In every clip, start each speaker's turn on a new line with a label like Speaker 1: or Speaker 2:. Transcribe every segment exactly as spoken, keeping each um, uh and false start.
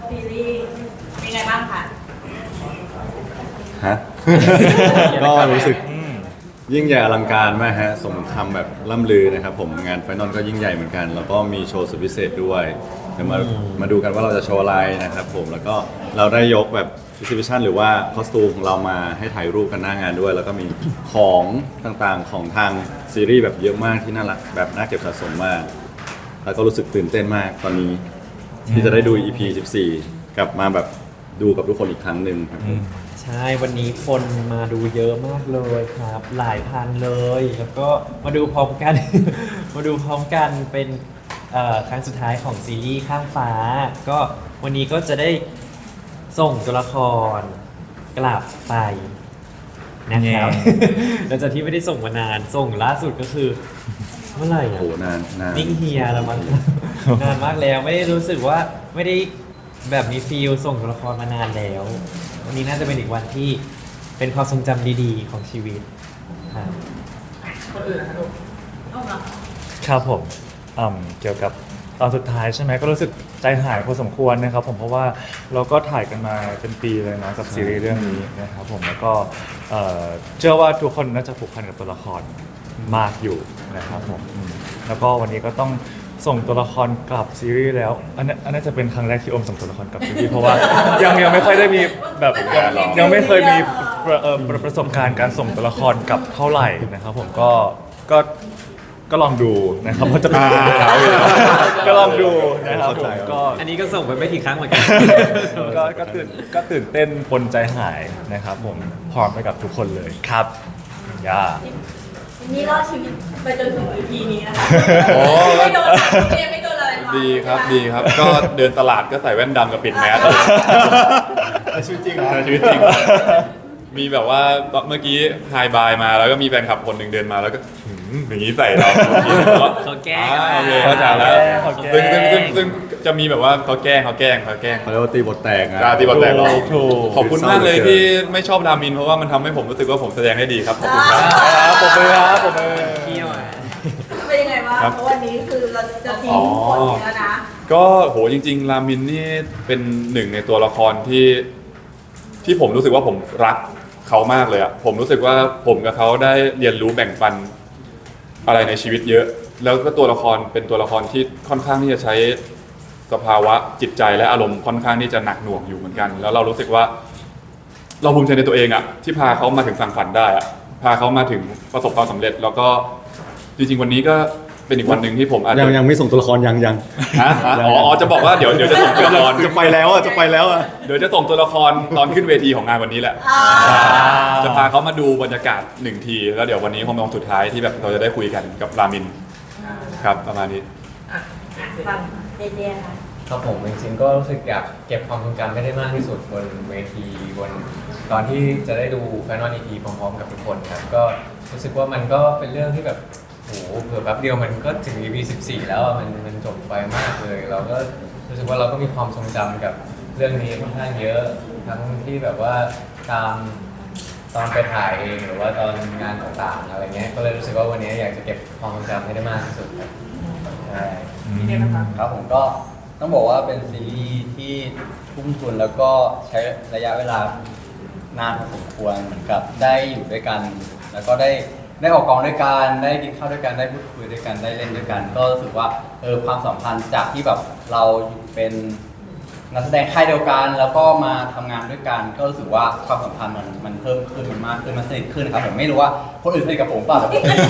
Speaker 1: ซีรีส์เป็นไงบ้างคะ
Speaker 2: ฮะ ก็รู้สึกยิ่งใหญ่อลังการมากฮะสมคำแบบล่ำลือนะครับผมงานไฟนอลก็ยิ่งใหญ่เหมือนกัน แล้วก็มีโชว์สุดพิเศษด้วยเดี๋ยวมามาดูกันว่าเราจะโชว์อะไรนะครับผมแล้วก็เราได้ยกแบบ exhibition หรือว่าคอสตูมของเรามาให้ถ่ายรูปกันหน้างานด้วย แล้วก็มีของต่างๆของทางซีรีส์แบบเยอะมากที่น่ารักแบบน่าเก็บสะสมมาก แล้วก็รู้สึกตื่นเต้นมากตอนนี้ ที่จะได้ดู อี พี สิบสี่ กลับมาแบบดูกับทุกคนอีกครั้งหนึ่งครับผม
Speaker 3: ใช่วันนี้คนมาดูเยอะมากเลยครับ หลายพันเลย แล้วก็มาดูพร้อมกัน มาดูพร้อมกันเป็นเอ่อครั้งสุดท้ายของซีรีส์ข้างฟ้า ก็วันนี้ก็จะได้ส่งตัวละครกลับไปนะครับ หลังจากที่ไม่ได้ส่งมานานส่งล่าสุดก็คือเมื่อไหร่
Speaker 2: โอ้
Speaker 3: อะ
Speaker 2: โหนานนาน
Speaker 3: นิ่งเฮียแล้วมั้ง นานมากแล้วไม่ได้รู้สึกว่าไม่ได้แบบมีฟีลส่งตัวละครมานานแล้ว วันนี้น่าจะเป็นอีกวันที่เป็นความทรงจำดีๆของชีวิตครับ
Speaker 1: คนอื่นนะคะลูกเอามา
Speaker 4: ครับผมอืมเกี่ยวกับตอนสุดท้ายใช่ไหมก็รู้สึกใจหายพอสมควรนะครับผมเพราะว่าเราก็ถ่ายกันมาเป็นปีเลยนะกับซีรีส์เรื่องนี้นะครับผมแล้วก็เอ่อเชื่อว่าทุกคนน่าจะผูกพันกับตัวละครมากอยู่นะครับผมอืมแล้วก็วันนี้ก็ต้องส่งตัวละครกลับซีรีส์แล้วอันนั้นอันนั้นจะเป็นครั้งแรกที่อมส่งตัวละครกลับซีรีส์เพราะว่ายังยังไม่ค่อยได้มีแบบยังไม่เคยมีประเอ่อประประสบการณ์การส่งตัวละครกลับเท่าไหร่นะครับผมก็ก็ก็ลองดูนะครับว่าจะเป็นยังไงก็ลองดูนะครับผมก็
Speaker 3: อันนี้ก็ส่งไปไม่กี่ครั้งเหมือนกัน
Speaker 4: ก็ก็ตื่นก็ตื่นเต้นปนใจหายนะครับผมพร้อมไปกับทุกคนเลยครับย่า
Speaker 1: นี่รอดชีวิตไปจนถึง อี พี นี้นะคะ
Speaker 5: โอ้
Speaker 1: ไม่โดนเรียนไม่โดนอะไรมา
Speaker 5: ดีครับดีครับ ก็เดินตลาดก็ใส่แว่นดำกับปิดแมส
Speaker 2: ชีวิตจริง
Speaker 5: ใช่ชีวิตจริง มีแบบว่าเมื่อกี้ไฮบายมาแล้วก็มีแฟนคลับคนหนึ่งเดินมาแล้วก็หืมอย่างนี้ใส่เรา
Speaker 3: เขาแกล้ง
Speaker 5: อ่าโอเคเข้าใจแล้ว
Speaker 4: เขาแกล้
Speaker 5: ซึ่ง
Speaker 4: ง
Speaker 5: ซึ่งซึ่งซึ่งจะมีแบบว่าเขาแกล้งเขาแกล้งเขาแกล้ง
Speaker 2: เขาเรียกว่าตีบทแตกนะ
Speaker 5: ราตีบอลแตกเรา
Speaker 4: ถูก
Speaker 5: ขอบคุณมากเลยที่ไม่ชอบรามินเพราะว่ามันทำให้ผมรู้สึกว่าผมแสดงได้ดีครับขอบคุณครับ
Speaker 4: ครับผมเลยครับผมเลย
Speaker 3: เที่ยวอ่ะ
Speaker 1: เป็นยังไงบ้าง
Speaker 5: ครับ
Speaker 1: เพราะวันนี้คือเราจะทิ้งคนนี้แล้วนะ
Speaker 5: ก็โหจริง ๆ รามินนี่เป็นหนึ่งในตัวละครที่ที่ผมรู้สึกว่าผมรักเขามากเลยอะผมรู้สึกว่าผมกับเขาได้เรียนรู้แบ่งปันอะไรในชีวิตเยอะ แล้วก็ตัวละครเป็นตัวละครที่ค่อนข้างที่จะใช้สภาวะจิตใจและอารมณ์ค่อนข้างที่จะหนักหน่วงอยู่เหมือนกัน แล้วเรารู้สึกว่า เราภูมิใจในตัวเองอะที่พาเขามาถึงฝั่งฝันได้อะพาเขามาถึงประสบความสำเร็จ แล้วก็จริง ๆ วันนี้ก็เป็นอีกวันหนึ่งที่ผมอาจ
Speaker 2: ยั
Speaker 5: จะ
Speaker 2: งยังไม่ส่งตัวละครยังยัง
Speaker 5: ฮะฮะอ๋ออ๋อจะบอกว่าเดี๋ยวเดี๋ยวจะส่งตัวละคร
Speaker 2: จะไปแล้วอ่ะจะไปแล้วอ่ะ
Speaker 5: เดี๋ยวจะส่งตัวละครตอนขึ้นเวทีของงานวันนี้แหละ
Speaker 1: อ่า
Speaker 5: จะพาเขามาดูบรรยากาศหนึ่งที แล้วเดี๋ยววันนี้คงเป็นวันสุดท้ายที่แบบเราจะได้คุยกันกับรามินครับประมาณนี้
Speaker 1: อ่ะฟังเจเจค่ะ
Speaker 6: ครับผมจริงๆก็รู้สึกอยากเก็บความทรงจำให้ได้มากที่สุดบนเวทีบนตอนที่จะได้ดูแฟนนอลอีพีพร้อมๆกับทุกคนครับก็รู้สึกว่ามันก็เป็นเรื่องที่แบบโหเผื่อแป๊บเดียวมันก็ถึง อี พี สิบสี่ แล้วอะมันมันจบไปมากเลย เราก็รู้สึกว่าเราก็มีความทรงจำกับเรื่องนี้ค่อนข้างเยอะทั้งที่แบบว่าตามตอนไปถ่ายเองหรือว่าตอนงานต่างๆอะไรเงี้ยก็เลยรู้สึกว่าวันนี้อยากจะเก็บความทรงจำให้ได้มากที่สุดครับใช่
Speaker 1: พี่เจนะคะ
Speaker 7: ครับผมก็ต้องบอกว่าเป็นซีรีส์ที่ทุ่มทุนแล้วก็ใช้ระยะเวลานานพอสมควรเหมือนกับได้อยู่ด้วยกัน แล้วก็ได้ได้ออกกองด้วยกันได้กินข้าวด้วยกันได้พูดคุยด้วยกันได้เล่นด้วยกัน ก็รู้สึกว่าเออความสัมพันธ์จากที่แบบเราอยู่เป็นนักแสดงค่ายเดียวกัน แล้วก็มาทำงานด้วยกัน ก็รู้สึกว่าความสัมพันธ์มันมันเพิ่มขึ้นมันมากขึ้นมันสนิทขึ้นครับผมไม่รู้ว่าคนอื่นสนิทกับผมเปล่าแต่ผม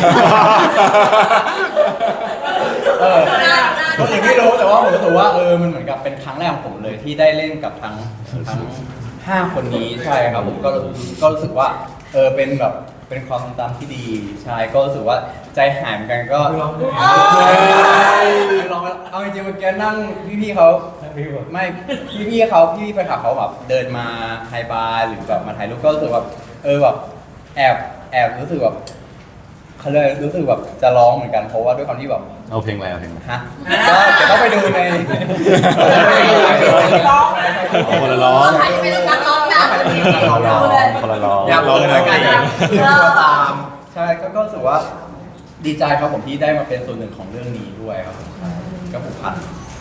Speaker 7: เออคนอื่นไม่รู้แต่ว่าผมรู้สึกว่าเออมันเหมือนกับเป็นครั้งแรกของผมเลยที่ได้เล่นกับทั้งทั้งห้าคนนี้ใช่ครับผมก็ก็รู้สึกว่าเออเป็นแบบเป็นความทรงจำที่ดีใช่ก็รู้สึกว่าใจหายเหมือนกันก็ลองลองเอาจริงๆเมื่อกี้นั่งพี่ๆเขาไม่พี่ๆเขาพี่ๆแฟนคลับเขาแบบเดินมาไฮบาร์หรือแบบมาถ่ายรูปก็รู้สึกแบบเออแบบแอบแอบรู้สึกแบบเขาเลยรู้สึกแบบจะร้องเหมือนกันเพราะว่าด้วยความที่แบบ
Speaker 2: เอาเพลงอะไรเอาเพลงอะไร
Speaker 7: ฮะก็เดี๋ยวต้องไปดูใน
Speaker 1: ร้อง
Speaker 2: เอาคนละร้อง
Speaker 1: ใครจะเป็นนักร้องนะ
Speaker 7: ร้อง
Speaker 1: ดูเลย
Speaker 2: คนละร้อง
Speaker 7: อยากร้องเหมือนกัน
Speaker 1: เออ
Speaker 7: ก็ตามใช่ก็ก็รู้สึกว่าดีใจครับผมที่ได้มาเป็นส่วนหนึ่งของเรื่องนี้ด้วยครับผมใช่ก็ผูกพัน
Speaker 1: มี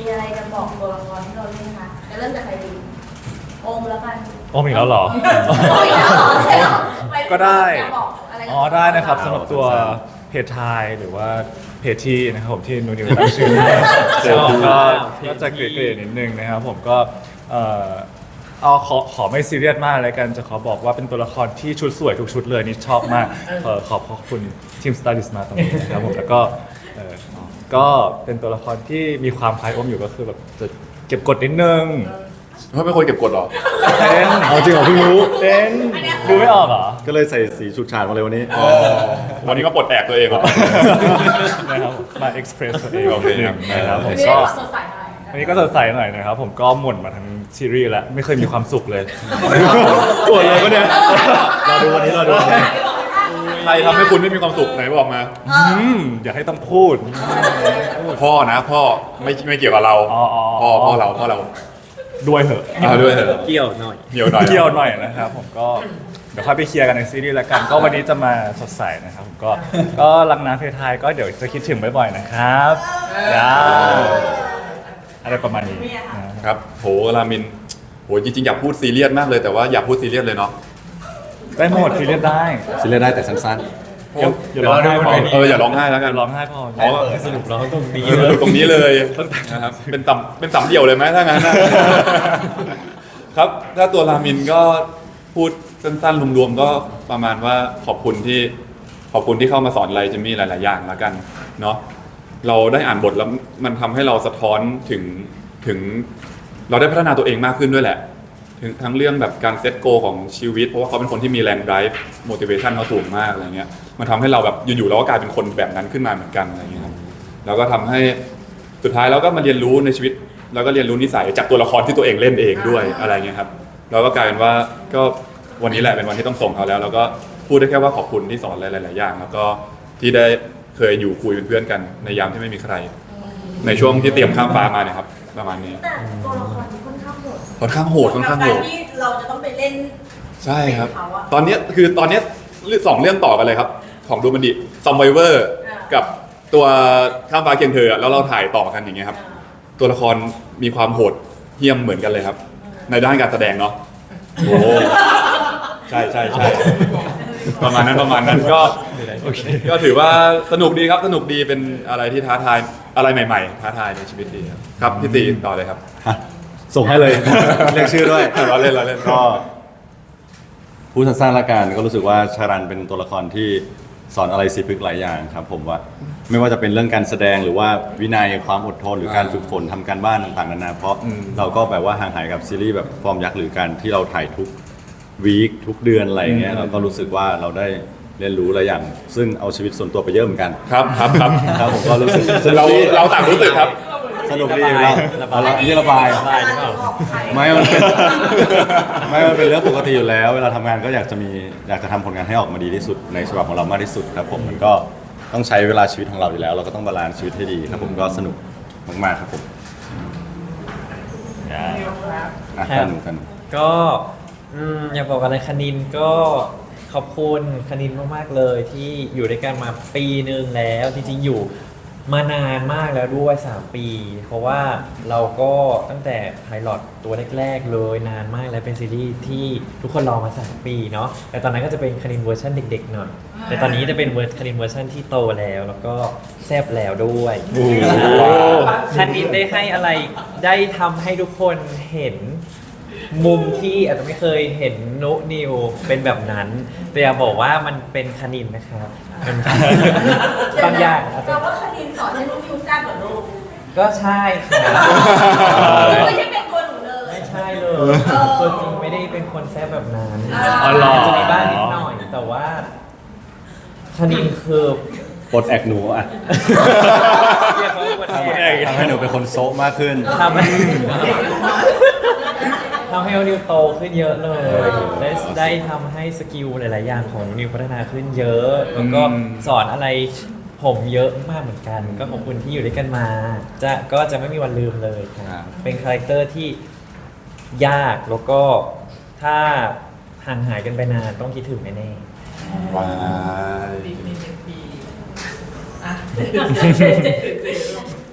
Speaker 1: มีอะไรจะบอกตัวละครที่เราเล่นคะจะเริ่มจากใครดีโอมแล้วกัน
Speaker 4: โอมอีกแล้วเหรอ
Speaker 1: โอมอีกแล้วเหรอใช่เหรอม่
Speaker 4: ก็ได้
Speaker 1: อยาบอกอะไรกับ
Speaker 4: อ๋อได้นะครับ
Speaker 2: เอา
Speaker 4: สำหรับตัว
Speaker 2: สั้น
Speaker 4: เพจไทยหรือว่าเพจที่นะครับผมที่นูนิวตั้งชื่อเดี๋ยวผมก็ก็จะเกรดๆนิดนึงนะครับผมก็เอ่อเอาขอขอไม่ซีเรียสมากเลยกันจะขอบอกว่าเป็นตัวละครที่ชุดสวยทุกชุดเลยนี่ชอบมากเอ่อขอบขอบคุณทีมสไตลิสต์มาตรงนี้นะครับผมแล้วก็เอ่อก็เป็นตัวละครที่มีความคล้ายโอมอยู่ก็คือแบบจะเก็บกดนิดนึง
Speaker 5: เพราะเป็นคนเก็บกดเหรอ
Speaker 4: เต้น
Speaker 2: เอาจริงเหรอเพิ่งรู้
Speaker 4: เต้นดูไม่ออกเหรอ
Speaker 2: ก็เลยใส่สีฉูดฉาดมาเลยวันนี้
Speaker 5: วันนี้ก็ปลดแอกตัวเองเหรอ
Speaker 4: นะครับมาเอ็กซ์เพรสตัวเอง
Speaker 5: โอเค
Speaker 4: นิดนึงนะครับผม
Speaker 1: ไม่ได้
Speaker 4: ก็
Speaker 1: บอกสดใสอะไร
Speaker 4: วันนี้ก็สดใสหน่อยนะครับผมก็หม่นมาทั้งซีรีส์แล้วไม่เคยมีความสุขเลย
Speaker 2: ปวดเลยปะเนี่ยรอดูวันนี้รอดูวันนี้
Speaker 5: ใครทำให้คุณไม่มีความสุขไหนบอกมา
Speaker 4: อืมอย่าให้ต้องพูด
Speaker 5: พ่อนะพ่อไม่ไม่เกี่ยวกับเรา
Speaker 4: อ๋ออ๋อ
Speaker 5: พ่อพ่อเราพ่อเรา
Speaker 4: ด้วยเหอะ
Speaker 5: เอาด้วยเถอะ
Speaker 3: เกี่ยวหน่อย
Speaker 5: เกี่ยวหน่อย
Speaker 4: เกี่ยวหน่อยนะครับผมก็เดี๋ยวค่อยไปเคลียร์กันในซีรีส์แล้วกัน ก็วันนี้จะมาสดใสนะครับผมก็ก็รักน้ำเพทายก็เดี๋ยวจะคิดถึงบ่อยๆนะครับจ้าอะไรประมาณนี้นะครับ
Speaker 5: โหรามินโหจริงๆอยากพูดซีเรียสมากเลยแต่ว่าอยากพูดซีเรียสเลยเนาะ
Speaker 4: ได้หมดซีเรียสได้
Speaker 2: ซีเรียสได้แต่สั้น
Speaker 4: อย่าอย่าร้องไห้พอ
Speaker 5: เอออย่าร้องไห้แล้วกัน
Speaker 4: อย่าร้องไห้พอ
Speaker 5: อ๋อ
Speaker 3: สรุปร้องตรงนี้
Speaker 5: เออตรงนี้เลยนะครับเป็นต่ำเป็นต่ำเดี่ยวเลยไหมถ้างั้นนะครับถ้าตัวรามินก็พูดสั้นๆรวมๆก็ประมาณว่าขอบคุณที่ขอบคุณที่เข้ามาสอนอะไรจะมีหลายๆอย่างแล้วกันเนาะเราได้อ่านบทแล้วมันทำให้เราสะท้อนถึงถึง เราได้พัฒนาตัวเองมากขึ้นด้วยแหละถึงทั้งเรื่องแบบการเซตโกของชีวิตเพราะว่าเขาเป็นคนที่มีแรง drive motivation เขาสูงมากอะไรเงี้ยมันทำให้เราแบบอยู่ๆเราก็กลายเป็นคนแบบนั้นขึ้นมาเหมือนกันอะไรเงี้ยครับแล้วก็ทำให้สุดท้ายเราก็มาเรียนรู้ในชีวิตแล้วก็เรียนรู้นิสัยจากตัวละครที่ตัวเองเล่นเองด้วยอะไรเงี้ยครับเราก็กลายเป็นว่าก็วันนี้แหละเป็นวันที่ต้องส่งเขาแล้ว แล้วก็พูดได้แค่ว่าขอบคุณที่สอนหลายๆอย่างแล้วก็ที่ได้เคยอยู่คุยเป็นเพื่อนกันในยามที่ไม่มีใคร ในช่วงที่เตรียมข้ามฟ้ามาเนี่ยครับประมาณนี้
Speaker 1: แต่ตัวละครนี้ค่อนข้างโหด
Speaker 5: ค่อนข้างโหดค่อนข้างโหด
Speaker 1: กับกรที่เราจะต้องไปเล่น
Speaker 5: ใช่ครับ
Speaker 1: เป็นเขาอะ
Speaker 5: ตอนเนี้ยคือตอนเนี้ยสองเรื่องต่อกันเลยครับ ของดูมันดิซอมไวเวอร์
Speaker 1: อ่า
Speaker 5: กับตัวข้ามฟ้าเคียงเธออะแล้วเราถ่ายต่อกันอย่างเงี้ยครับ ตัวละครมีความโหดเหี้ยมเหมือนกันเลยครับ ในด้านการแสดงเนาะโอ้ใช่ใช่ใช่ประมาณนั้นประมาณนั้นก็ก็ถือว่าสนุกดีครับสนุกดีเป็นอะไรที่ท้าทายอะไรใหม่ๆท้าทายในชีวิตดีครับครับพี่ตีต่อเลยครับ
Speaker 2: ๆฮะส่งให้เลย เรียกชื่อด้วย
Speaker 5: เราเล่นเราเล่น
Speaker 2: ก็พูดสั้นๆละกันก็รู้สึกว่าชารันเป็นตัวละครที่สอนอะไรสิพึกหลายอย่างครับผมว่าไม่ว่าจะเป็นเรื่องการแสดงหรือว่าวินัยความอดทนหรือการฝึกฝนทำการบ้านต่างๆนานาเพราะเราก็แบบว่าห่างหายกับซีรีส์แบบฟอร์มยักษ์หรือการที่เราถ่ายทุกวีคทุกเดือนอะไรอย่างเงี้ยเราก็รู้สึกว่าเราได้เรียนรู้หลายอย่าง ซึ่งเอาชีวิตส่วนตัวไปเยอะเหมือนกัน
Speaker 5: ครับครับครับ
Speaker 2: ครับผมก็รู้สึกสนุ
Speaker 5: เรา
Speaker 2: กดี
Speaker 5: เราต่างรู้สึกครับ
Speaker 2: สนุกดีเราเอาละนี่ระบาย
Speaker 3: ระบายหรือเปล่า
Speaker 2: ไม่มันเป็น ไม่มันเป็นเรื่องปกติอยู่แล้ว เวลาทำงานก็อยากจะมีอยากจะทำผลงานให้ออกมาดีที่สุดในฉบับของเรามากที่สุดครับผมมันก็ต้องใช้เวลาชีวิตของเราอยู่แล้ว เราก็ต้องบาลานซ์ชีวิตให้ดีครับผมก็สนุกมากๆครับผมอ่ะ
Speaker 3: ครับ
Speaker 2: กันหนูกันหนู
Speaker 3: ก็อืมอยากบอกอะไรคณินก็ขอบคุณคณินมากๆเลยที่อยู่ด้วยกันมาปีหนึ่งแล้วจริงๆอยู่มานานมากแล้วด้วยสามปี เพราะว่าเราก็ตั้งแต่ไพลอตตัวแรกๆเลยนานมากแล้วเป็นซีรีส์ที่ทุกคนรอมาสามปีเนาะแต่ตอนนั้นก็จะเป็นคณินเวอร์ชันเด็กๆหน่อยแต่ตอนนี้จะเป็นเวอร์คณินเวอร์ชันที่โตแล้วแล้วก็แซ่บแล้วด้วยคณินได้ให้อะไรได้ทำให้ทุกคนเห็น มุมที่อาจจะไม่เคยเห็นนุนิวเป็นแบบนั้น แต่อยากบอกว่ามันเป็นคณินนะครับมันบางอย่างอาจจะ
Speaker 1: เราว่าคณินสอนให้ลูกฟิวแซ่บเหมือนลูก
Speaker 3: ก็ใช่ครับ
Speaker 1: ไม่ใช่เป็นตัวหนูเลย
Speaker 3: ไม่ใช่เลยตัวจริงไม่ได้เป็นคนแซ่บแบบนั้น
Speaker 4: อ๋อเหรอ
Speaker 3: าจจะมีบ้างนิดหน่อย แต่ว่าคณินคือ
Speaker 2: ปลดแอกหนูอ่ะ
Speaker 3: เรียกเขาว่า
Speaker 2: ทำให้ทำให้หนูเป็นคนโซะมากขึ้น
Speaker 3: ทำให้ทำให้นิวโตขึ้นเยอะเลยได้ได้ทำให้สกิลหลาย ๆ อย่างของนิวพัฒนาขึ้นเยอะ แล้วก็สอนอะไรผมเยอะมากเหมือนกัน ก็ขอบคุณที่อยู่ด้วยกันมา จะก็จะไม่มีวันลืมเลยครับเป็นคาแรคเตอร์ที่ยากแล้วก็ถ้าห่างหายกันไปนานต้องคิดถึงแน่ๆ
Speaker 5: ว้าย
Speaker 1: อ่ะ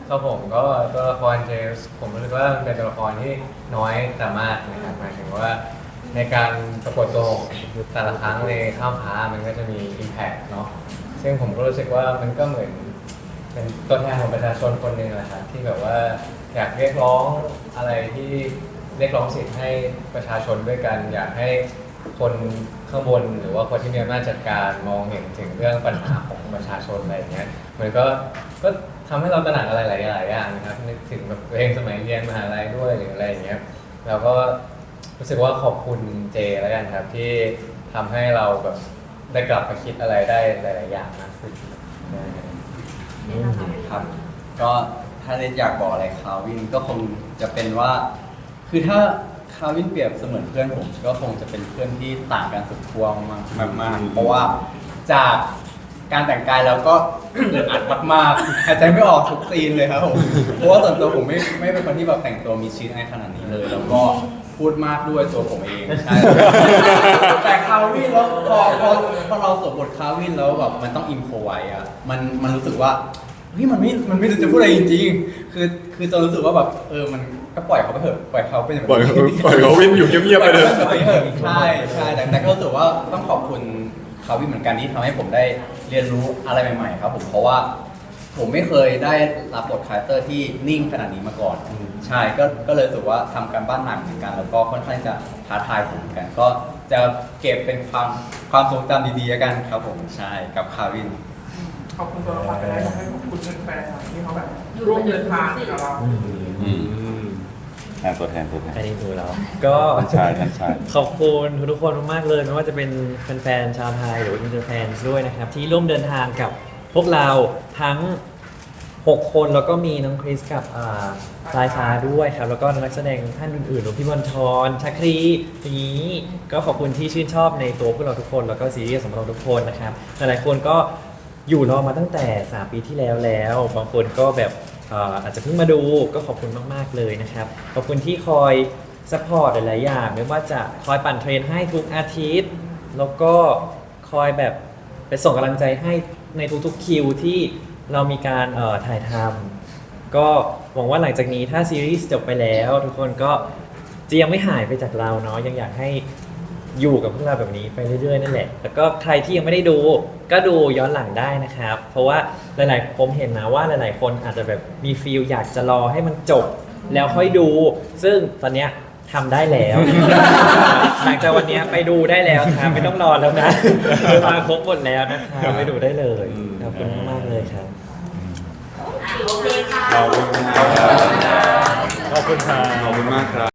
Speaker 6: ครับผมก็ตัวละครเจมส์ผมรู้สึกว่ามันเป็นตัวละครที่น้อยแต่มากนะครับหมายถึงว่าในการปรากฏตัวของแต่ละครั้งในข้ามฟ้ามันก็จะมี impact เนาะซึ่งผมก็รู้สึกว่ามันก็เหมือนเป็นตัวแทนของประชาชนคนหนึ่งแหละครับที่แบบว่าอยากเรียกร้องอะไรที่เรียกร้องสิทธิ์ให้ประชาชนด้วยกัน อยากให้คนข้างบนหรือว่าคนที่มีอำนาจจัดการมองเห็นถึงเรื่องปัญหาของประชาชนอะไรอย่างเงี้ยมันก็ก็ทำให้เราตระหนักอะไรหลายๆอย่างนะครับนึกถึงแบบตัวเองสมัยเรียนมหาลัยด้วยหรืออะไรอย่างเงี้ยเราก็รู้สึกว่าขอบคุณเจแล้วกันครับที่ทำให้เราแบบได้กลับมาคิดอะไรได้หลาย ๆ อย่างมากขึ้น
Speaker 1: เนี่ยนะคะ
Speaker 7: ครับ ก็ถ้าเนทอยากบอกอะไรคาวินก็คงจะเป็นว่า คือถ้าคาวินเปรียบเสมือนเพื่อนผมก็คงจะเป็นเพื่อนที่ต่างกันสุดขั้วมากมากๆเพราะว่าจากการแต่งกายแล้วก็ อึดอัดมากๆหายใจไม่ออกทุกซีนเลยครับผมเพราะว่าส่วนตัวผมไม่ไม่เป็นคนที่แบบแต่งตัวมีชีวิตในขนาดนี้เลย แล้วก็พูดมากด้วยตัวผมเองใช่ แต่คาวินแล้วพอพอพอเราสวมบทคาวินแล้วแบบมันต้องอิมโพไว้อะมันมันรู้สึกว่าเฮ้ยมันไม่มันไม่รู้จะพูดอะไรจริงๆคือคือจะรู้สึกว่าแบบเออมันก็ปล่อยเขาไปเถอะปล่อยเขาเป็นแบบ
Speaker 5: ปล่อยเขาปล่อยเขาวิ่งอยู่เงียบๆไปเลย
Speaker 7: ปล่อยเขาไปเถอะใช่ใช่แต่แต่ก็รู้สึกว่าต้องขอบคุณคาวินเหมือนกันที่ทำให้ผมได้เรียนรู้อะไรใหม่ๆครับผมเพราะว่าผมไม่เคยได้รับบทคาแรคเตอร์ที่นิ่งขนาดนี้มาก่อน ใช่ก็ก็เลยรู้สึกว่าทำการบ้านหนักเหมือนกัน แล้วก็ค่อนข้างจะท้าทายผมเหมือนกัน ก็จะเก็บเป็นความความทรงจำดีๆแล้วกันครับผมใช่กับคาวิน
Speaker 8: ขอบคุณตัวละครไปได้ทำให้ขอบคุณแฟนๆที่เขาแบบร่วมเดินทางกับเรา
Speaker 2: อืมอ่ะตัวแทนตัวแทน
Speaker 3: ใครได้ดูแล้ว ก็
Speaker 2: ใช่ใช่ใช่
Speaker 3: ขอบคุณทุกๆคนมากๆเลยไม่ว่าจะเป็นแฟนๆชาวไทยหรือว่าอินเตอร์แฟนด้วยนะครับ ที่ร่วมเดินทางกับพวกเราทั้ง หก คนแล้วก็มีน้องคริสกับอ่าสายฟ้าด้วยครับ แล้วก็นักแสดงท่านอื่นๆรวมพี่บอลทอนชักครีอย่างนี้ก็ขอบคุณที่ชื่นชอบในตัวพวกเราทุกคนแล้วก็ซีรีส์ของเราทุกคนนะครับหลายๆคนก็อยู่รอมาตั้งแต่สามปีที่แล้วแล้วบางคนก็แบบอ่าอาจจะเพิ่งมาดูก็ขอบคุณมากๆเลยนะครับขอบคุณที่คอยซัพพอร์ตหลายๆอย่างไม่ว่าจะคอยปั่นเทรนให้ทุกอาทิตย์ แล้วก็คอยแบบไปส่งกำลังใจให้ในทุกๆคิวที่เรามีการเอ่อถ่ายทำก็หวังว่าหลังจากนี้ถ้าซีรีส์จบไปแล้วทุกคนก็จะยังไม่หายไปจากเราเนาะยังอยากให้อยู่กับพวกเราแบบนี้ไปเรื่อยๆนั่นแหละแล้วก็ใครที่ยังไม่ได้ดูก็ดูย้อนหลังได้นะครับ เพราะว่าหลายๆผมเห็นนะว่าหลายๆคนอาจจะแบบมีฟีลอยากจะรอให้มันจบแล้วค่อยดู ซึ่งตอนเนี้ยทำได้แล้ว หลังจากวันเนี้ยไปดูได้แล้วครับไม่ต้องรอแล้วนะ มาครบหมดแล้วนะครับไปดูได้เลยขอบคุณมากๆเลยครับ
Speaker 1: อ่ะโอเคค่ะ
Speaker 5: ขอบคุณครับ
Speaker 4: ขอบคุณครับ
Speaker 5: ขอบคุณมากครับ